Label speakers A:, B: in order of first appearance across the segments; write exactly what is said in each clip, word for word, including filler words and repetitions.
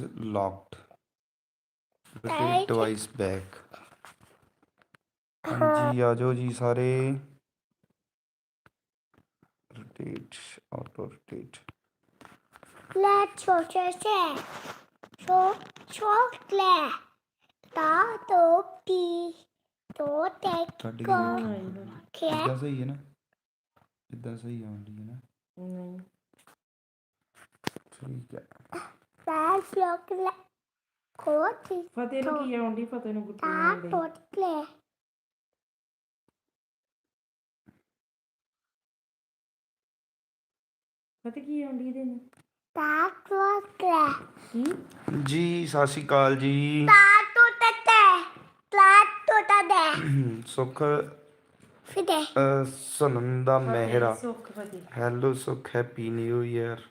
A: locked. Rotate device back. ਹਾਂਜੀ ਆ ਜਾਓ ਜੀ ਸਾਰੇ। rotate auto rotate
B: ਲੈ ਛੋਟੇ ਸੇ ਛੋ ਛੋਟਲੇ ਤਾ ਤੋਪੀ ਤੋ ਟੈਕ
A: ਕੱਢ ਕੇ
B: ਕੋ
A: ਦੇਖੀ
B: ਕਿਆ
A: ਇਦਾਂ ਸਹੀ ਹੈ ਨਾ, ਇਦਾਂ ਸਹੀ ਆਉਂਦੀ ਹੈ ਨਾ।
C: ਨਹੀਂ
A: ਠੀਕ ਹੈ।
B: ਤਾਂ ਛੋਟਲੇ ਕੋਟੀ
C: ਫਤਿਹ ਨੂੰ ਕੀ ਆਉਂਦੀ, ਫਤਿਹ ਨੂੰ ਗੁੱਟੀ
B: ਤਾ
C: ਆਉਂਦੀ।
B: ਟੋਟਲੇ
C: ਫਤਿਹ ਕੀ ਆਉਂਦੀ ਇਹਦੇ ਨੂੰ?
B: ਤਾ ਟੋਟਲੇ
C: ਕੀ
A: ਜੀ ਸਤਿ ਸ਼੍ਰੀ ਅਕਾਲ ਜੀ।
B: ਤਾ ਟੋਟਤੇ ਤਾ ਟੋਟਦੇ
A: ਸੁੱਖ
B: ਫਿਦੇ
A: ਅਹ, ਸੁਨੰਦਾ ਮਹਿਰਾ
C: ਸੁੱਖ ਫਤਿਹ।
A: Hello Sukh happy new year.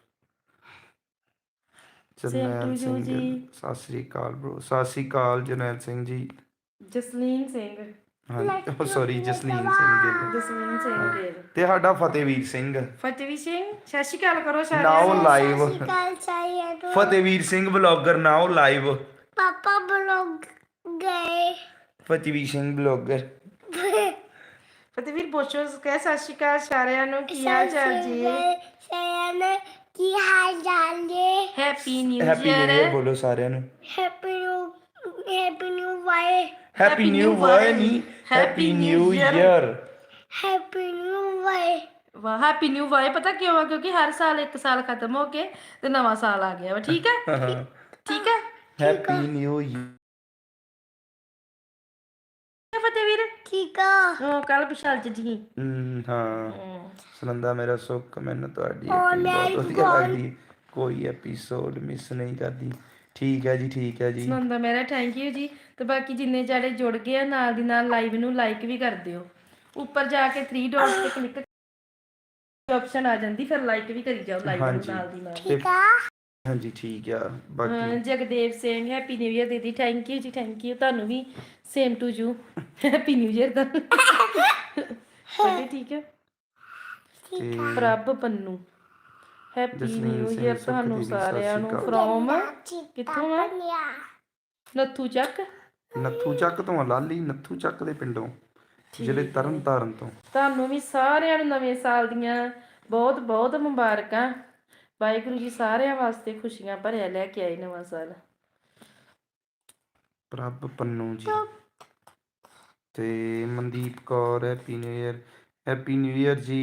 A: Jarnail
C: to you
A: Singh
C: ji.
A: ਸਤਿ ਸ਼੍ਰੀ ਅਕਾਲ ਬ్రో। ਸਤਿ ਸ਼੍ਰੀ ਅਕਾਲ ਜਰਨੈਲ ਸਿੰਘ ਜੀ।
C: ਜਸਲੀਨ ਸਿੰਘ
A: ਹਾਂਜੀ ਸੌਰੀ ਜਸਲੀਨ ਸਿੰਘ ਗਿੱਲ
C: ਜਸਲੀਨ ਸਿੰਘ ਗਿੱਲ
A: ਤੇ ਸਾਡਾ ਫਤਿਹਵੀਰ ਸਿੰਘ।
C: ਫਤਿਹਵੀਰ ਸਿੰਘ ਸਤਿ ਸ਼੍ਰੀ ਅਕਾਲ ਕਰੋ
A: ਨਾਓ
C: ਸਾਰਿਆਂ ਨੂੰ।
A: ਲਾਈਵ
B: ਕੱਲ ਚਾਹੀਏ ਤੋ
A: Fatehvir Singh blogger now live.
B: ਪਾਪਾ ਬਲੋਗ ਗਏ
A: ਫਤਿਹਵੀਰ ਸਿੰਘ ਬਲੌਗਰ।
C: ਫਤਿਹਵੀਰ ਪੁੱਛੋ ਕਹਿ ਸਤਿ ਸ਼੍ਰੀ ਅਕਾਲ ਸਾਰਿਆਂ ਨੂੰ, ਕੀ ਹਾਲ ਚਾਲ ਜੀ?
B: ਸੈਨ ਕੀ ਹਾਲ ਚਾਲ ਜੀ?
C: Happy new
A: happy new year
C: year.
A: ਬੋਲੋ ਸਾਰਿਆਂ ਨੂੰ।
B: Happy new happy new why
A: happy new why ਨਹੀਂ happy new year.
B: Happy new why
C: ਵਾਹ ਹੈਪੀ ਨਿਊ ਵਾਈ ਪਤਾ ਕਿਉਂ ਆ? ਕਿਉਂਕਿ ਹਰ ਸਾਲ ਇੱਕ ਸਾਲ ਖਤਮ ਹੋ ਕੇ ਤੇ ਨਵਾਂ ਸਾਲ ਆ ਗਿਆ ਵਾ। ਠੀਕ ਹੈ ਠੀਕ ਹੈ
A: ਹੈਪੀ ਨਿਊ ਈਅਰ।
C: ਫਤਿਹਵੀਰ
B: ਠੀਕ ਆ
C: ਉਹ ਕੱਲ ਵਿਸ਼ਾਲ ਚ ਜੀ।
A: ਹਾਂ ਸੁਨੰਦਾ ਮੇਰਾ ਸੁੱਖ, ਮੈਨੂੰ ਤੁਹਾਡੀ
B: Oh
A: acting ਬਹੁਤ
B: my
A: ਵਧੀਆ
B: God.
A: ਲੱਗਦੀ, ਕੋਈ ਐਪੀਸੋਡ ਮਿਸ ਨਹੀਂ ਕਰਦੀ। ਠੀਕ ਹੈ ਜੀ ਠੀਕ ਹੈ ਜੀ।
C: ਸੁਨੰਦਾ ਮੇਰਾ ਥੈਂਕ ਯੂ ਜੀ। ਤੇ ਬਾਕੀ ਜਿੰਨੇ ਜਿਹੜੇ ਜੁੜ ਗਏ ਆ ਨਾਲ ਦੀ ਨਾਲ ਲਾਈਵ ਨੂੰ ਲਾਈਕ ਵੀ ਕਰ ਦਿਓ। ਉੱਪਰ ਜਾ ਕੇ ਥ੍ਰੀ ਡਾਟਸ ਤੇ ਕਲਿੱਕ ਆਪਸ਼ਨ ਆ ਜਾਂਦੀ, ਫਿਰ ਲਾਈਕ ਵੀ ਕਰੀ ਜਾਓ ਲਾਈਵ ਨੂੰ
A: ਹਾਂਜੀ
C: ਨਾਲ ਦੀ ਨਾਲ।
B: ਠੀਕ ਆ
A: ਹਾਂਜੀ ਠੀਕ ਆ।
C: ਹਾਂ,
A: ਬਾਕੀ
C: Jagdev Singh happy new year ਦੀਦੀ ਥੈਂਕ ਯੂ ਜੀ ਥੈਂਕ ਯੂ। ਤੁਹਾਨੂੰ ਵੀ same to you happy new year ਦਾ। ਫਤਿਹ ਠੀਕ ਹੈ।
A: ਤੇ
C: Prabh Pannu happy
A: Jasleen
C: new
A: Singh,
C: year
A: Sukh
C: ਤੁਹਾਨੂੰ
A: ਦੀਦੀ, ਸਤਿ
C: ਸਾਰਿਆਂ
A: ਸ਼੍ਰੀ
C: ਨੂੰ
A: ਅਕਾਲ।
C: ਫਰੋਮ
B: ਕਿੱਥੋਂ ਆ
C: ਨੱਥੂ ਚੱਕ।
A: ਨੱਥੂ ਚੱਕ ਤੋਂ ਆ, ਲਾਲੀ ਨੱਥੂ ਚੱਕ ਦੇ ਪਿੰਡੋਂ, ਜ਼ਿਲ੍ਹੇ ਤਰਨ ਤਾਰਨ ਤੋਂ।
C: ਤੁਹਾਨੂੰ ਵੀ ਸਾਰਿਆਂ ਨੂੰ ਨਵੇਂ ਸਾਲ ਦੀਆਂ ਬਹੁਤ ਬਹੁਤ ਮੁਬਾਰਕਾਂ। ਵਾਹਿਗੁਰੂ ਜੀ ਸਾਰਿਆਂ ਵਾਸਤੇ ਖੁਸ਼ੀਆਂ ਭਰਿਆ ਲੈ ਕੇ ਆਏ ਨਵਾਂ ਸਾਲ।
A: ਪ੍ਰਭ ਪੰਨੂ ਜੀ ਤੇ Mandeep Kaur happy new year. Happy new year ਜੀ।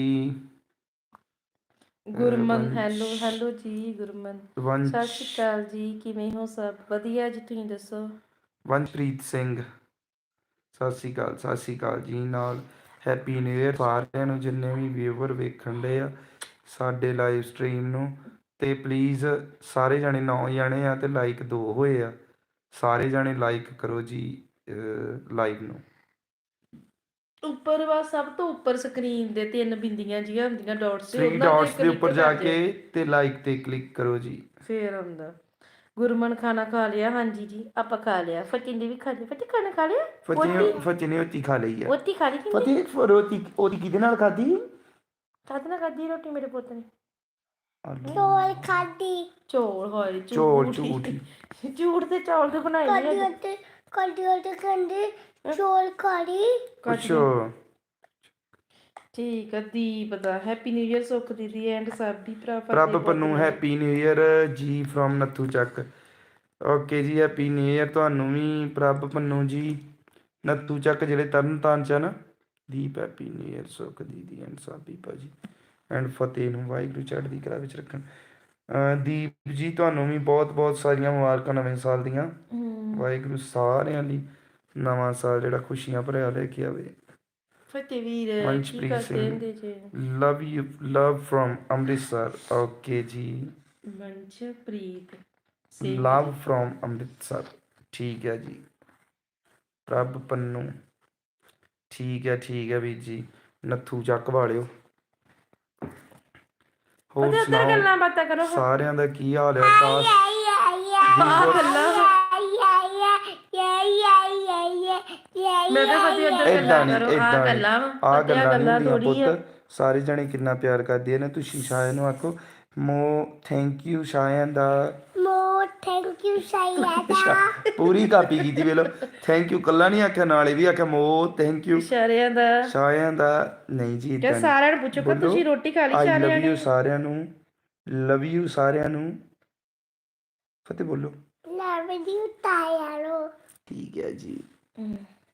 C: ਗੁਰਮਨ ਹੈਲੋ ਹੈਲੋ ਜੀ ਗੁਰਮਨ
A: ਵੰਸ਼
C: ਸਤਿ ਸ਼੍ਰੀ ਅਕਾਲ ਜੀ। ਕਿਵੇਂ ਹੋ? ਸਭ ਵਧੀਆ ਜੀ, ਤੁਸੀਂ ਦੱਸੋ?
A: ਵੰਸ਼ਪ੍ਰੀਤ ਸਿੰਘ ਸਤਿ ਸ਼੍ਰੀ ਅਕਾਲ ਸਤਿ ਸ਼੍ਰੀ ਅਕਾਲ ਜੀ। ਨਾਲ ਹੈਪੀ ਨਿਊ ਈਅਰ ਸਾਰਿਆਂ ਨੂੰ ਜਿੰਨੇ ਵੀ ਵਿਊਵਰ ਵੇਖਣ ਦੇ ਆ ਸਾਡੇ ਲਾਈਵ ਸਟ੍ਰੀਮ ਨੂੰ। ਤੇ ਪਲੀਜ਼ ਸਾਰੇ ਜਾਣੇ ਨੌ ਜਾਣੇ ਆ ਤੇ ਲਾਈਕ ਦੋ ਹੋਏ ਆ, ਸਾਰੇ ਜਾਣੇ ਲਾਈਕ ਕਰੋ ਜੀ ਲਾਈਵ ਨੂੰ।
C: ਉੱਪਰ ਵਾ ਸਭ ਤੋਂ ਉੱਪਰ ਸਕਰੀਨ ਦੇ ਤਿੰਨ ਬਿੰਦੀਆਂ ਜੀਆਂ ਹੁੰਦੀਆਂ ਡਾਟਸ ਤੇ
A: ਥ੍ਰੀ
C: ਉਹਨਾਂ ਤੇ
A: ਡਾਟਸ ਦੇ
C: click
A: ਉੱਪਰ ਜਾ
C: ਕਰ
A: ਕੇ
C: ਦਿਓ।
A: ਤੇ ਲਾਈਕ ਤੇ ਕਲਿੱਕ ਕਰੋ ਜੀ।
C: ਫੇਰ ਆਉਂਦਾ ਗੁਰਮਨ ਖਾਣਾ ਖਾ ਲਿਆ? ਹਾਂਜੀ ਜੀ ਆਪਾਂ ਖਾ ਲਿਆ। ਫਤਿਹ ਨੇ ਵੀ ਖਾ ਲਿਆ। ਫਤਿਹ ਖਾਣਾ ਖਾ ਲਿਆ?
A: ਫਤਿਹ ਫਤਿਹ ਨੇ ਰੋਟੀ ਖਾ ਲਈ ਆ।
C: ਰੋਟੀ ਖਾ ਲਈ ਕਿ
A: ਫਤਿਹ ਰੋਟੀ ਉਹਦੀ ਕਿਹਦੇ ਨਾਲ ਖਾਧੀ?
C: ਖਾਧ ਨਾ ਖਾਧੀ ਰੋਟੀ ਮੇਰੇ ਪੁੱਤ ਨੇ?
B: ਚੋਲ ਖਾਦੀ
C: ਚੌਲ ਹੋਏ
A: ਚੌਲ
C: ਝੂਠ
A: ਝੂਠ
C: ਝੂਠ ਤੇ ਚੌਲ ਤੇ ਬਣਾਏ
B: ਕਦੀ
C: ਨਹੀਂ
B: ਉੱਤੇ ਕਦੀ ਉੱਤੇ ਕਹਿੰਦੇ ਚੋਲ ਖਾੜੀ
A: ਅੱਛਾ
C: ਠੀਕ ਆ। ਦੀਪ ਦਾ ਹੈਪੀ ਨਿਊ ਈਅਰ। ਸੁੱਖ ਦੀਦੀ ਐਂਡ ਸਾਬੀ ਭਰਾ
A: Prabh Pannu happy new year ji from Nathu Chak. Okay ਜੀ ਹੈਪੀ ਨਿਊ ਈਅਰ ਤੁਹਾਨੂੰ ਵੀ ਪ੍ਰਭ ਪੰਨੂ ਜੀ, ਨੱਥੂ ਚੱਕ ਜਿਹੜੇ ਤਰਨ ਤਾਰਨ ਚ ਨਾ। ਦੀਪ ਹੈਪੀ ਨਿਊ ਈਅਰ ਸੁੱਖ ਦੀਦੀ ਐਂਡ ਸਾਬੀ ਭਾਜੀ ਐਂਡ ਫਤਿਹ ਨੂੰ ਵਾਹਿਗੁਰੂ ਚੜ੍ਹਦੀ ਕਲਾ ਵਿੱਚ ਰੱਖਣ। ਦੀਪ ਜੀ ਤੁਹਾਨੂੰ ਵੀ ਬਹੁਤ ਬਹੁਤ ਸਾਰੀਆਂ ਮੁਬਾਰਕਾਂ ਨਵੇਂ ਸਾਲ ਦੀਆਂ। ਵਾਹਿਗੁਰੂ ਸਾਰਿਆਂ ਲਈ ਨਵਾਂ ਸਾਲ ਜਿਹੜਾ ਖੁਸ਼ੀਆਂ ਭਰਿਆ ਲੈ ਕੇ ਆਵੇ।
C: ਫਤਿਹ ਵੀਰ ਕੀ
A: ਵੰਸ਼ਪ੍ਰੀਤ
C: ਕਰਦੇ ਹੁੰਦੇ
A: ਸਿੰਘ
C: ਜੇ?
A: Love you love from Amritsar. Okay ਜੀ
C: ਵੰਸ਼ਪ੍ਰੀਤ ਸਿੰਘ
A: ਲਵ ਫਰੋਮ ਅੰਮ੍ਰਿਤਸਰ। ਠੀਕ ਹੈ ਜੀ। ਪ੍ਰਭ ਪੰਨੂ ਠੀਕ ਹੈ ਠੀਕ ਹੈ ਵੀਰ ਜੀ। ਨੱਥੂ ਚੱਕ ਵਾਲਿਓ। ਹੋਰ
C: ਫਤਿਹ ਉੱਧਰ ਗੱਲਾਂ ਬਾਤਾਂ ਕਰੋ।
A: ਸੁਣਾਓ ਸਾਰਿਆਂ ਦਾ ਕੀ ਹਾਲ ਹੈ? ਆਕਾਸ਼
C: ਆਹ ਗੱਲਾਂ ਮੈਂ ਤਾਂ ਫਤਿਹ ਉੱਧਰ
A: ਏਦਾਂ
C: ਗੱਲਾਂ
A: ਨਹੀਂ
C: ਕਰੋ। ਆਹ
A: ਏਦਾਂ
C: ਗੱਲਾਂ
A: ਨਹੀਂ ਆਹ
C: ਫਤਿਹ
A: ਗੱਲਾਂ ਨਹੀਂ ਹੁੰਦੀਆਂ
C: ਥੋੜੀ ਆ।
A: ਪੁੱਤ। ਸਾਰੇ ਜਣੇ ਕਿੰਨਾ ਪਿਆਰ ਕਰਦੇ ਨੇ। ਤੁਸੀਂ ਸ਼ਾਇਦ ਨੂੰ ਆਖੋ ਮੋ ਥੈਂਕ ਯੂ ਸ਼ਾਇਨ ਦਾ
B: ਮੋ ਥੈਂਕ ਯੂ ਸਾਇਦਾ
A: ਪੂਰੀ ਕਾਪੀ ਕੀਤੀ ਵੇਲੋ ਥੈਂਕ ਯੂ ਕੱਲਾ ਨਹੀਂ ਆਖਿਆ ਨਾਲੇ ਵੀ ਆਖਿਆ ਮੋ ਥੈਂਕ ਯੂ
C: ਇਸ਼ਾਰਿਆਂ ਦਾ
A: ਸ਼ਾਇਨ ਦਾ ਨਹੀਂ ਜੀ
C: ਕਿ
A: ਏਦਾਂ
C: ਸਾਰਿਆਂ ਨੂੰ ਪੁੱਛੋ ਕਿ
A: ਬੋਲੋ,
C: ਤੁਸੀਂ ਰੋਟੀ ਖਾ ਲਈ
A: ਆਈ
C: ਸਾਰਿਆਂ
A: ਲਵ
C: ਨੇ
A: ਯੂ ਸਾਰਿਆਂ ਨੂੰ ਲਵ ਯੂ ਸਾਰਿਆਂ ਨੂੰ ਫਤਿਹ ਬੋਲੋ
B: ਲਵ ਯੂ ਤਾਇਆਰੋ
A: ਠੀਕ ਹੈ ਜੀ
C: ਹਮ,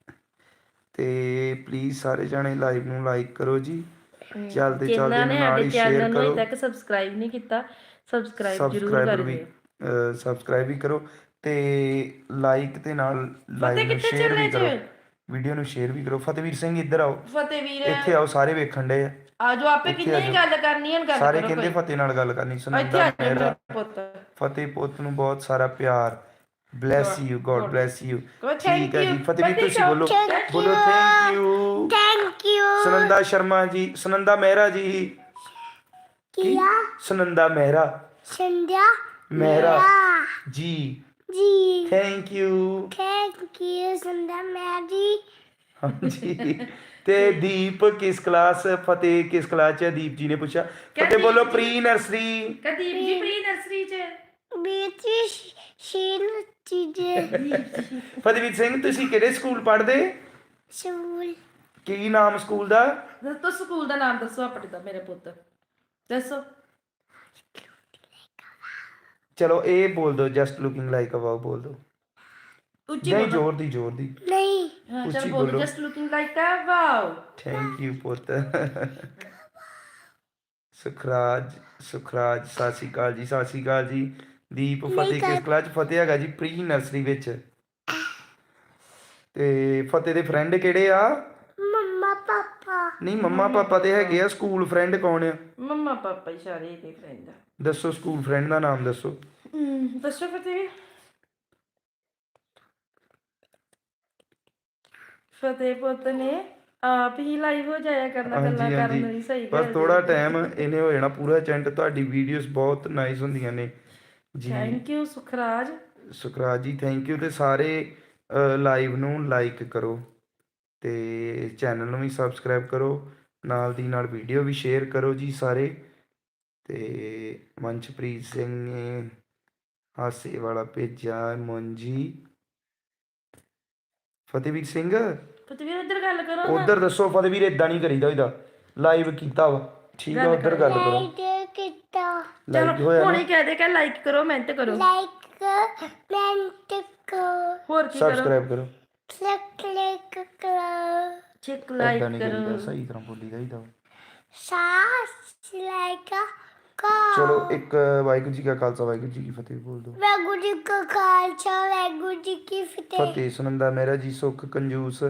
A: ਤੇ ਪਲੀਜ਼ ਸਾਰੇ ਜਾਣੇ ਲਾਈਵ ਨੂੰ ਲਾਈਕ ਕਰੋ ਜੀ ਚੱਲਦੇ
C: ਜਿਨ੍ਹਾਂ
A: ਚੱਲਦੇ
C: ਨੇ
A: ਨਾਲ
C: ਸਾਡੇ
A: ਹੀ
C: ਚੈਨਲ
A: ਸ਼ੇਅਰ
C: ਨੂੰ ਅਜੇ
A: ਕਰੋ
C: ਤੱਕ ਸਬਸਕ੍ਰਾਈਬ ਨਹੀਂ ਕੀਤਾ ਸਬਸਕ੍ਰਾਈਬ ਜ਼ਰੂਰ
A: ਸਬਸਕ੍ਰਾਈਬਰ
C: ਕਰ
A: ਵੀ
C: ਦਿਓ
A: ਸਬਸਕ੍ਰਾਈਬ ਵੀ ਕਰੋ ਤੇ ਲਾਈਕ ਤੇ ਨਾਲ ਲਾਈਵ ਨੂੰ
C: ਕਿੱਥੇ
A: ਸ਼ੇਅਰ
C: ਚੱਲੇ
A: ਵੀ ਕਰੋ
C: ਜੀ?
A: ਵੀਡੀਓ ਨੂੰ ਸ਼ੇਅਰ ਵੀ ਕਰੋ ਫਤਿਹਵੀਰ ਸਿੰਘ ਇੱਧਰ ਆਓ
C: ਫਤਿਹ ਵੀਰ
A: ਇੱਥੇ ਆਓ ਸਾਰੇ ਵੇਖਣ ਦੇ
C: ਆ ਜੋ ਆਪੇ ਕਿੰਨੇ ਹੀ ਗੱਲ ਕਰਨੀ ਹੈ ਗੱਲ
A: ਸਾਰੇ
C: ਕਰੋ
A: ਕਹਿੰਦੇ
C: ਕੋਈ
A: ਫਤਿਹ ਨਾਲ ਗੱਲ ਕਰਨੀ
C: ਇੱਥੇ
A: ਸੁਨੰਦਾ
C: ਆ ਜਾਓ
A: ਮਹਿਰਾ
C: ਮੇਰਾ ਪੁੱਤ
A: ਫਤਿਹ ਪੁੱਤ ਨੂੰ ਬਹੁਤ ਸਾਰਾ ਪਿਆਰ bless you god bless you
C: ਕਹੋ
A: ਠੀਕ
C: ਥੈਂਕ
A: ਹੈ
C: ਯੂ
A: ਜੀ ਫਤਿਹਵੀਰ ਤੁਸੀਂ ਬੋਲੋ
B: Thank
A: ਬੋਲੋ thank you
B: thank you
A: Sunanda Sharma ji Sunanda Mehra ਜੀ
B: ਕੀਆ
A: ਸੁਨੰਦਾ ਮਹਿਰਾ
B: ਸੰਧਿਆ
A: ਮਹਿਰਾ ਜੀ
B: ਜੀ
A: thank you
B: thank you Sandhya ਮੈਰੀ
A: ਹਾਂਜੀ ਤੇ ਦੀਪ ਕਿਸ ਕਲਾਸ ਫਤਿਹ ਕਿਸ ਕਲਾਸ ਚ ਹੈ? ਦੀਪ ਜੀ ਨੇ ਪੁੱਛਿਆ ਫਤਿਹ ਬੋਲੋ ਪ੍ਰੀ ਨਰਸਰੀ
C: ਕਦੀਪ ਜੀ ਪ੍ਰੀ ਨਰਸਰੀ ਚ
B: ਬੀਤੀ ਸ਼ੀਨ ਚੀਜੇ
A: ਫਤਿਹਵੀਰ ਸਿੰਘ ਤੁਸੀਂ ਕਿਹੜੇ ਸਕੂਲ ਪੜ੍ਹਦੇ
B: ਸ਼ੂਲ
A: ਕੀ ਨਾਮ ਸਕੂਲ ਦਾ
C: ਦੱਸੋ ਸਕੂਲ ਦਾ ਨਾਮ ਦੱਸੋ ਆਪਣੇ ਦਾ ਮੇਰੇ ਪੁੱਤ ਦੱਸੋ
A: ਚਲੋ ਇਹ ਬੋਲ ਦਿਓ just looking like a wow ਬੋਲ ਦਿਓ
C: ਉੱਚੀ
A: ਨਹੀਂ
C: ਬੋਲੋ
A: ਜ਼ੋਰ ਦੀ ਜ਼ੋਰ ਦੀ
B: ਨਹੀਂ
C: ਹਾਂ
A: ਉੱਚੀ
C: ਚਲ ਬੋਲੋ
A: ਬੋਲੋ।
C: Just looking like a wow
A: thank you ਪੁੱਤ ਸੁਖਰਾਜ ਸੁਖਰਾਜ ਸਤਿ ਸ਼੍ਰੀ ਅਕਾਲ ਜੀ ਸਤਿ ਸ਼੍ਰੀ ਅਕਾਲ ਜੀ ਦੀਪ ਫਤਿਹ ਕਿਸ ਕਲਾਸ ਚ ਫਤਿਹ ਹੈਗਾ ਜੀ ਪ੍ਰੀ ਨਰਸਰੀ ਵਿੱਚ ਤੇ ਫਤਿਹ ਦੇ ਫਰੈਂਡ ਕਿਹੜੇ ਆ
B: ਮੰਮਾ ਪਾਪਾ
A: ਨਹੀਂ ਮੰਮਾ ਪਾਪਾ ਤੇ ਹੈਗੇ ਆ ਸਕੂਲ ਫਰੈਂਡ ਕੌਣ ਆ
C: ਮੰਮਾ ਪਾਪਾ ਇਸ਼ਾਰੇ ਦੇ ਫਰੈਂਡ
A: ਦੱਸੋ ਸਕੂਲ ਫਰੈਂਡ ਦਾ ਨਾਮ ਦੱਸੋ
C: ਦੱਸੋ ਫਤਿਹ ਵੀ ਫਤਿਹ ਪੁੱਤ ਨੇ ਆਪ ਹੀ ਲਾਈਵ ਹੋ ਜਾਇਆ ਕਰਨਾ ਗੱਲਾਂ
A: ਹਾਂਜੀ
C: ਕਰਨ ਦੀ
A: ਹਾਂਜੀ
C: ਸਹੀ
A: ਬਸ
C: ਗੱਲ
A: ਥੋੜਾ ਟਾਈਮ ਇਹਨੇ ਹੋ ਜਾਣਾ ਪੂਰਾ ਚੈਂਟ ਤੁਹਾਡੀ ਵੀਡੀਓਜ਼ ਬਹੁਤ ਨਾਈਸ ਹੁੰਦੀਆਂ ਨੇ ਜੀ
C: ਥੈਂਕ ਯੂ ਸੁਖਰਾਜ
A: ਸੁਖਰਾਜ ਜੀ ਥੈਂਕ ਯੂ ਤੇ ਸਾਰੇ ਲਾਈਵ ਨੂੰ ਲਾਈਕ ਕਰੋ ਤੇ ਚੈਨਲ ਨੂੰ ਵੀ ਸਬਸਕ੍ਰਾਈਬ ਕਰੋ ਨਾਲ ਦੀ ਨਾਲ ਵੀਡੀਓ ਵੀ ਸ਼ੇਅਰ ਕਰੋ ਜੀ ਸਾਰੇ ਤੇ ਮਨਚਪ੍ਰੀਤ ਸਿੰਘ ਨੇ ਹਾਸੇ ਵਾਲਾ ਭੇਜਿਆ ਮੁੰਜੀ ਫਤਿਹਵੀਰ ਸਿੰਘ
C: ਫਤਿਹ ਵੀਰ ਇੱਧਰ ਗੱਲ ਕਰੋ ਨਾ
A: ਉਧਰ ਦੱਸੋ ਫਤਿਹਵੀਰ ਇਦਾਂ ਨਹੀਂ ਕਰੀਦਾ ਇਹਦਾ ਲਾਈਵ ਕੀਤਾ ਵਾ ਠੀਕ ਆ ਉਧਰ ਗੱਲ ਕਰੋ
B: ਲਾਈਕ ਕੀਤਾ
A: ਲਾਈਕ ਹੋਇਆ
C: ਹੁਣ
A: ਨਾ
C: ਹੀ ਕਹਿ ਦੇ ਕਿ ਲਾਈਕ ਕਰੋ ਮਿਹਨਤ ਕਰੋ
B: ਲਾਈਕ ਮੈਂਟ ਕੋ
C: ਹੋਰ ਕੀ ਕਰੋ
A: ਸਬਸਕ੍ਰਾਈਬ ਕਰੋ
B: ਕਲਿੱਕ ਕਰੋ
C: ਚੈੱਕ
A: ਇਦਾਂ
C: ਲਾਈਕ
A: ਨਹੀਂ ਕਰੀਦਾ
C: ਕਰੋ
A: ਸਹੀ ਤਰ੍ਹਾਂ ਬੋਲੀਦਾ ਇਹਦਾ
B: ਸਾਸ ਲਾਈਕ ਕੋ
A: ਚਲੋ ਇੱਕ ਵਾਹਿਗੁਰੂ ਜੀ ਕਾ ਖਾਲਸਾ ਵਾਹਿਗੁਰੂ ਜੀ ਕੀ ਫਤਿਹ ਬੋਲ ਦੋ
B: ਵਾਹਿਗੁਰੂ ਜੀ ਕਾ ਖਾਲਸਾ ਵਾਹਿਗੁਰੂ ਜੀ ਕੀ ਫਤਿਹ
A: ਫਤਿਹ ਸੁਨੰਦਾ ਮੇਰਾ ਜੀ ਸੁੱਖ ਕੰਜੂਸ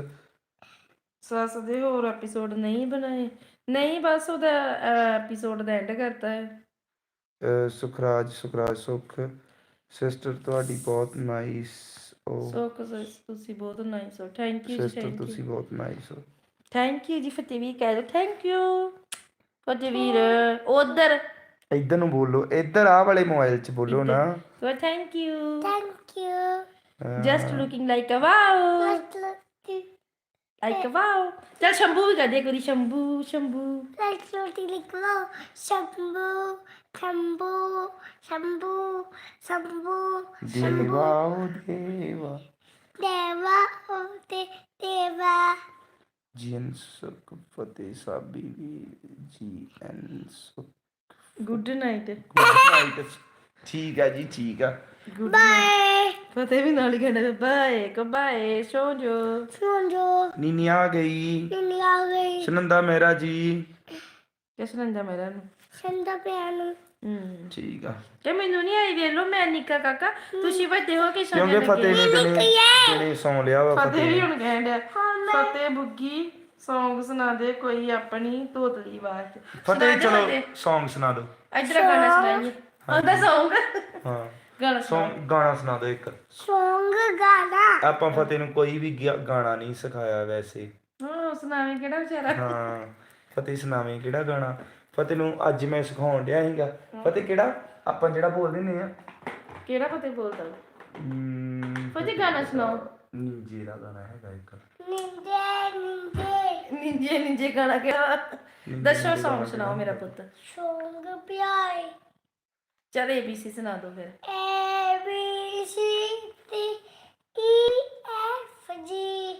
C: ਸੱਸ ਦੇ ਹੋਰ ਐਪੀਸੋਡ ਨਹੀਂ ਬਣਾਏ ਨਹੀਂ ਬਸ ਉਹਦਾ ਐਪੀਸੋਡ ਦਾ ਐਂਡ ਕਰਤਾ ਹੈ
A: ਅਹ ਸੁਖਰਾਜ ਸੁਖਰਾਜ ਸੁੱਖ ਸਿਸਟਰ ਤੁਹਾਡੀ ਬਹੁਤ ਨਾਈਸ ਉਹ
C: ਸੋ ਤੁਸੀਂ ਬਹੁਤ ਨਾਈਸ ਹੋ ਥੈਂਕ ਯੂ ਜੀ
A: ਸਿਸਟਰ
C: ਥੈਂਕ
A: ਤੁਸੀਂ
C: ਯੂ
A: ਬਹੁਤ ਨਾਈਸ ਹੋ
C: ਥੈਂਕ ਯੂ ਜੀ ਫਤਿਹ ਵੀਰ ਕਹਿ ਦੋ ਥੈਂਕ ਯੂ ਫਤਿਹ ਵੀਰ ਉਧਰ
A: ਇੱਧਰ ਨੂੰ ਬੋਲੋ ਇੱਧਰ ਆਹ ਵਾਲੇ ਮੋਬਾਈਲ 'ਚ ਬੋਲੋ ਨਾ
C: so thank you
B: thank you
C: just looking like a wow like a wow ਚਲ ਸ਼ੰਭੂ ਵੀ ਕਹਦੇ ਕੋਈ ਸ਼ੰਭੂ ਸ਼ੰਭੂ
B: ਲਾਈਕ ਲੋਟੀ ਲਿਖੋ ਸ਼ੰਭੂ ਸ਼ੰਭੂ ਸ਼ੰਭੂ ਸ਼ੰਭੂ
A: ਦੇਵਾ ਓ ਦੇਵਾ
B: ਦੇਵਾ ਓ ਤੇ ਦੇਵਾ
A: ਜੀਨ ਸੁਖ ਫਤਿਹ ਸਾਬੀ ਵੀ ਜੀ ਐਨ ਸੁਖ
C: ਗੁੱਡ ਨਾਈਟ
A: ਗੁੱਡ ਠੀਕ ਆ ਜੀ ਠੀਕ ਆ
B: ਬਾਏ
C: ਫਤਿਹ ਵੀ ਨਾਲ ਹੀ ਕਹਿੰਦੇ ਬਾਏ ਕੋ ਬਾਏ ਸੋ ਜੋ
B: ਸੁਣੋ
A: ਨੀਨੀ ਆ ਗਈ
B: ਨੀ ਆ ਗਈ
A: ਸੁਨੰਦਾ ਮੇਰਾ ਜੀ
C: ਕਿਸ ਨੰਦਾ ਮੇਰਾ ਨੂੰ
B: ਸੰਦਾ ਪਿਆਨੋ
C: ਹੂੰ
A: ਠੀਕ ਆ
C: ਕਿ ਮੈਨੂੰ ਨਹੀਂ ਆਈ ਵੇਖ ਲੋ ਮੈਂ ਨਿੱਕਾ ਕਾਕਾ ਤੁਸੀਂ ਵੱਡੇ ਹੋ ਕੇ
A: ਕਿਉਂਕਿ
C: ਸੋਨੇ
A: ਫਤਿਹ ਨੇ ਕਿਨੇ ਕਿਨੇ ਸੌਂ ਲਿਆ ਵਾ
C: ਫਤਿਹ ਵੀ
A: ਫਤਿਹ
C: ਹੁਣ ਕਹਿੰਦਾ ਫਤਿਹ ਬੁੱਗੀ ਸੌਂਗ ਸੁਣਾ ਦੇ ਕੋਈ ਆਪਣੀ ਤੋਤਲੀ ਆਵਾਜ਼ ਚ
A: ਫਤਿਹ ਚਲੋ Song ਸੁਣਾ ਦਿਓ
C: ਇਧਰ ਗਾਣਾ ਸੁਣਾਈਏ ਉਹਦਾ ਸੌਂਗ
A: ਹਾਂ
C: ਗਾਣਾ ਸੁਣਾ
A: Song ਗਾਣਾ ਸੁਣਾ ਦਿਓ ਇੱਕ
B: ਸੌਂਗ ਗਾਣਾ
A: ਆਪਾਂ ਫਤਿਹ ਨੂੰ ਕੋਈ ਵੀ ਗਿਆ- ਗਾਣਾ ਨਹੀਂ ਸਿਖਾਇਆ ਵੈਸੇ
C: ਹਾਂ ਸੁਣਾਵੇਂ ਕਿਹੜਾ ਵਿਚਾਰਾ
A: ਹਾਂ ਫਤਿਹ ਸੁਣਾਵੇਂ ਕਿਹੜਾ ਗਾਣਾ ਫਤਿਹ ਨੂੰ ਅੱਜ ਮੈਂ ਸਿਖਾਉਣ ਡਿਆ ਸੀਗਾ ਫਤਿਹ ਕਿਹੜਾ ਆਪਾਂ ਜਿਹੜਾ ਬੋਲਦੇ ਨੇ ਆ
C: ਕਿਹੜਾ ਫਤਿਹ ਬੋਲਦਾ
A: ਹਮ,
C: ਫਤਿਹ ਗਾਣਾ ਸੁਣਾਓ
A: ਨੀਂਜੇ ਦਾ ਗਾਣਾ ਹੈਗਾ ਇੱਕ
B: ਨਿੰਦੇ ਨਿੰਦੇ
C: ਨਿੰਜੇ ਨਿੰਜੇ ਗਾਣਾ ਕਿਹੜਾ ਦੱਸੋ ਸੌਂਗ ਸੁਣਾਓ ਮੇਰਾ ਪੁੱਤ
B: ਸੌਂਗ ਪਿਆਏ
C: ਚਲ ਏ ਬੀ ਸੀ ਸੁਣਾ ਦਿਓ ਫਿਰ।
B: A B C D E F G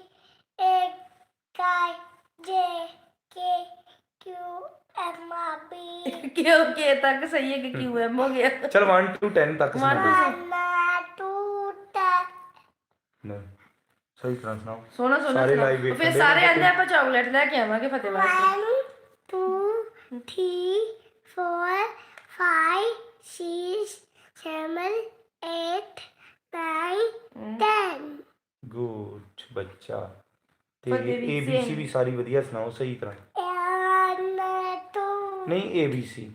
B: H I J K Q M R P
C: ਕਿਉਂ ਕੇ ਤੱਕ ਸਹੀ ਹੈ ਕਿ ਕਿਊ ਐਮ ਹੋ ਗਿਆ।
A: ਚਲ one to ten ਤੱਕ ਸੁਣਾ ਦਿਓ।
B: one two ten
A: ਨਹੀਂ ਸਹੀ ਤਰ੍ਹਾਂ ਸੁਣਾਓ।
C: ਸੋਹਣਾ ਸੋਹਣਾ
A: ਸਾਰੇ
C: ਸੁਣਾਓ।
A: live ਵੇਖਣ
C: ਫਿਰ
A: ਦੇ
C: ਸਾਰੇ
A: ਨੇ
C: ਆਂਦੇ ਆਪਾਂ ਚਾਕਲੇਟ ਲੈ ਕੇ ਆਵਾਂਗੇ ਫਤਿਹ ਵਾਸਤੇ।
B: one two three four five six seven eight nine ten
A: good ਬੱਚਾ। ਤੇ
C: Fatehvir
A: A B C
C: Singh.
A: ਵੀ ਸਾਰੀ ਵਧੀਆ ਸੁਣਾਓ ਸਹੀ ਤਰ੍ਹਾਂ।
B: one two
A: ਨਹੀਂ A B C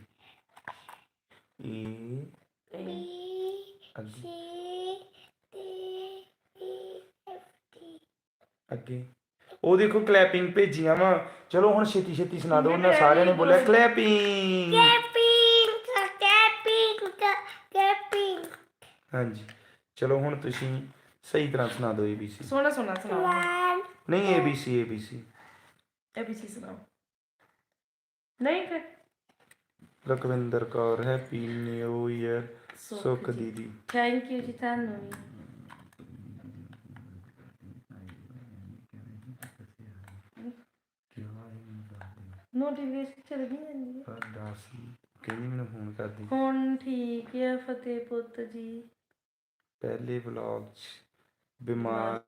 A: A
B: B
A: ਅੱਗੇ
B: C D E F G
A: ਅੱਗੇ ਉਹ ਦੇਖੋ ਕਲੈਪਿੰਗ ਭੇਜੀਆਂ ਵਾ। ਚਲੋ ਹੁਣ ਛੇਤੀ ਛੇਤੀ ਸੁਣਾ ਦਿਓ। ਉਹਨਾਂ ਸਾਰਿਆਂ ਨੇ ਬੋਲਿਆ ਕਲੈਪਿੰਗ।
B: Capping, capping, capping.
A: ਹਾਂਜੀ ਚਲੋ ਹੁਣ ਤੁਸੀਂ ਸਹੀ ਤਰ੍ਹਾਂ ਸੁਣਾ ਦਿਓ ਏ ਬੀ ਸੀ।
C: ਸੋਹਣਾ ਸੋਹਣਾ ਸੁਣਾਓ।
B: One,
A: ਨਹੀਂ A B C A B C
C: A B C ਸੁਣਾਓ। ਨਹੀਂ ਫਿਰ
A: Lakhwinder Kaur happy new year Sukh ਦੀਦੀ।
C: ਥੈਂਕ ਯੂ ਜੀ ਤੁਹਾਨੂੰ ਵੀ। ਨੋਟੀਫਿਕੇਸ਼ਨ ਚੱਲ ਗਈ ਜਾਂਦੀ ਹੈ।
A: ਦੱਸ ਕਹਿੰਦੀ ਮੈਨੂੰ ਫੋਨ ਕਰਦੀ
C: ਹੁਣ ਠੀਕ ਹੈ ਫਤਿਹ ਪੁੱਤ ਜੀ।
A: ਪਹਿਲੇ ਵਲੌਗ 'ਚ ਬਿਮਾਰ